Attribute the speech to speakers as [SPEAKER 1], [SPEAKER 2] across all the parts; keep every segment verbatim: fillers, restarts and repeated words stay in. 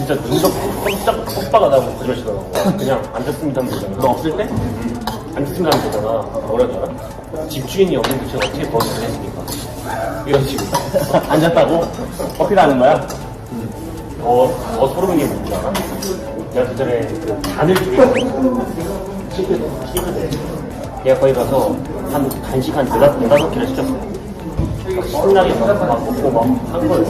[SPEAKER 1] 진짜 눈도 깜짝 뻑뻑하다 나고 그러시더라고. 그냥 앉았습니다 하면 되잖아.
[SPEAKER 2] 너 없을 때?
[SPEAKER 1] 응. 앉았습니다 하면 되잖아. 뭐라는 줄 알아? 집주인이 없는 도대체 어떻게 버릇을 했습니까? 이런 식으로.
[SPEAKER 2] 앉았다고? 어필하는 거야?
[SPEAKER 1] 더, 더 소름인 게 뭔지 알아? 내가 그 전에 그 간을 죽이고 시그대, 시그대. 얘가 거기 가서 한 간식 한 네다섯, 네다섯 개를 시켰어. 신나게 막, 막 먹고 막 한 거예요.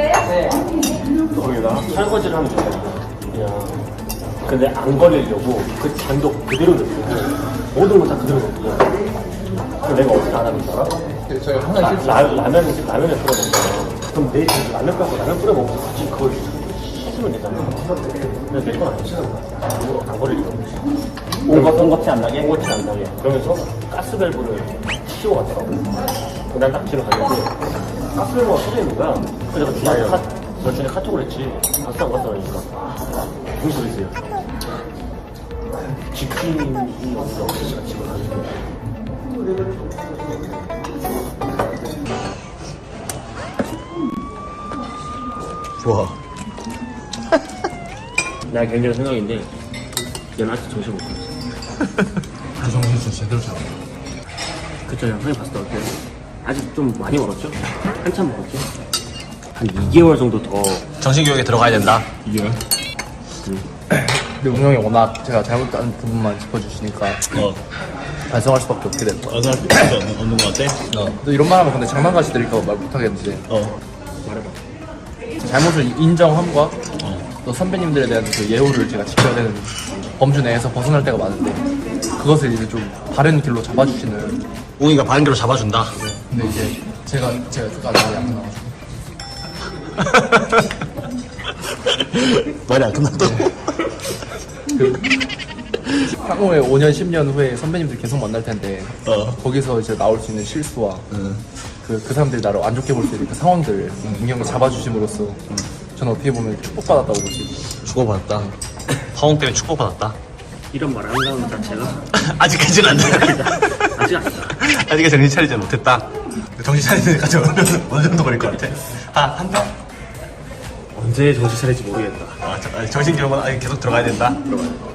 [SPEAKER 1] 거기다가 설거지를 하면 되잖아. 그냥. 근데 안 걸리려고 그 잔도 그대로 넣고 모든 거 다 그대로 넣고. 그래서 내가 어떻게 안 하는 줄 알아?
[SPEAKER 2] 저희가 항상 실수.
[SPEAKER 1] 라, 라면을, 라면을 뿌려 먹잖아. 그럼 내 집에 라면 빼고 라면 뿌려 먹고 같이 그걸 씻으면 되잖아. 근데 내 건 안 씻는 거야. 안 걸리려고.
[SPEAKER 2] 온것 온것이 안 나게?
[SPEAKER 1] 옹거치 안 나게. 그러면서 가스밸브를 씌워 갔더라고. 난 딱 집에 갔는데 가스밸브가 터져 있는 거야. 그래서 내가 중간에 카, 저 중에 카톡을 했지. 갔어 안 갔어 그러니까. 무슨 소리세요? 집주인이 없어. 제가 집을 가는데.
[SPEAKER 3] 좋아.
[SPEAKER 1] 나 개인적인 생각인데 얘는 아직 정신 못 차렸어.
[SPEAKER 3] 그 정신 진짜 제대로 잡아.
[SPEAKER 1] 그쵸, 형이 봤을 때 어때요? 아직 좀 많이 멀었죠? 한참 멀었죠? 한 이 개월 정도 더.
[SPEAKER 3] 정신교육에 들어가야 된다.
[SPEAKER 1] 이게요?
[SPEAKER 2] 근데 웅 형이 워낙 제가 잘못한 부분만 짚어주시니까
[SPEAKER 3] 어.
[SPEAKER 2] 반성할 수밖에 없게 됐다.
[SPEAKER 3] 어느 할 없는 거 같아? 어.
[SPEAKER 2] 또 이런 말 하면 근데 장난같이 들릴까 말 못하겠는데
[SPEAKER 3] 어.
[SPEAKER 1] 말해봐.
[SPEAKER 2] 잘못을 인정함과 또 선배님들에 대한 그 예우를 제가 지켜야 되는 범주 내에서 벗어날 때가 많은데 그것을 이제 좀 바른 길로 잡아주시는.
[SPEAKER 3] 웅이가 바른 길로 잡아준다.
[SPEAKER 2] 근데 이제 제가 제가 그가 말이 안 나와가지고
[SPEAKER 3] 말이 안 끝났다고?
[SPEAKER 2] 그 향후에 오 년 십 년 후에 선배님들 계속 만날 텐데
[SPEAKER 3] 어.
[SPEAKER 2] 거기서 이제 나올 수 있는 실수와
[SPEAKER 3] 응.
[SPEAKER 2] 그, 그 사람들이 나를 안 좋게 볼 수 있는 그 상황들을 웅형이 잡아주심으로써 저는 어떻게 보면 축복받았다고 볼 수 있어요.
[SPEAKER 3] 축복받았다. 화홍 때문에 축복받았다.
[SPEAKER 1] 이런 말 한다는 자체가
[SPEAKER 3] 아직까지는 안 돼.
[SPEAKER 1] 아직 아니다.
[SPEAKER 3] 아직까지 정신 차리지 못했다. 정신 차리는 데까지 어느 정도 걸릴 것 같아? 한, 한 달?
[SPEAKER 1] 언제 정신 차릴지 모르겠다.
[SPEAKER 3] 아, 자, 아니, 정신교육은 아직 계속 들어가야 된다.
[SPEAKER 1] 들어가요.